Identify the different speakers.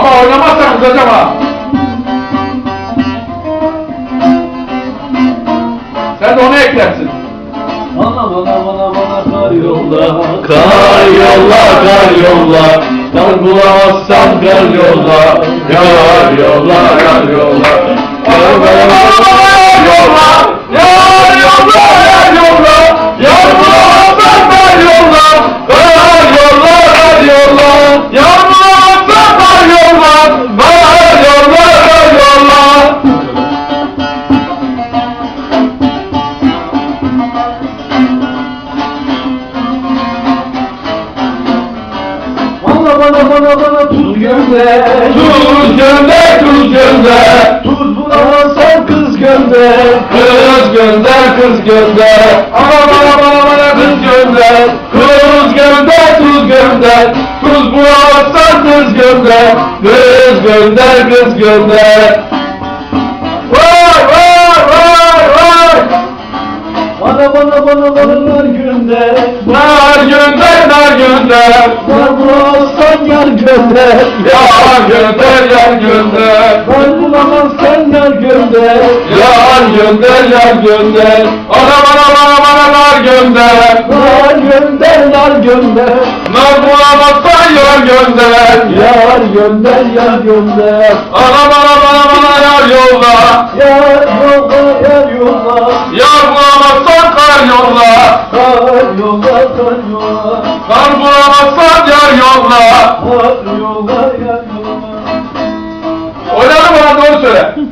Speaker 1: Baba oynamazsan kızacağım ha. Sen de onu eklersin.
Speaker 2: Bana kar yolla.
Speaker 1: Kar yolla, kar yolla. Kar bulamazsan kar yolla. Yar yolla, yar yolla. Kar bulamazsan yar yolla. Yar yolla, yar yolla. Yar bulamazsan kar yolla. Kar yolla, kar yolla. Yar bulamazsan kar yolla. Kar yolla, kar yolla.
Speaker 2: Bana tuz gönder.
Speaker 1: Tuz gönder, tuz gönder.
Speaker 2: Tuz bulamazsan kız gönder.
Speaker 1: Kız gönder, kız gönder. Bana kız gönder. Kız gönder, tuz gönder. Tuz bulamazsan kız gönder. Kız gönder, kız gönder. Vay vay vay vay.
Speaker 2: Bana nar gönder.
Speaker 1: Nar gönder, nar gönder.
Speaker 2: Nar bulamazsan yar gönder.
Speaker 1: Yar gönder, yar gönder.
Speaker 2: Nar bulamazsan yar gönder.
Speaker 1: Yar gönder, yar gönder. Bana nar gönder.
Speaker 2: Nar gönder, nar gönder.
Speaker 1: Nar bulamazsan yar gönder.
Speaker 2: Yar gönder, yar gönder.
Speaker 1: Bana yar yolla.
Speaker 2: Yar yolla, yar yolla.
Speaker 1: Yar bulamazsan kar yolla.
Speaker 2: Kar yolla, kar yolla.
Speaker 1: Kar bulamazsan yar yolla.
Speaker 2: Kar yolla, yar yolla.
Speaker 1: Oynadın mı lan, doğru söyle.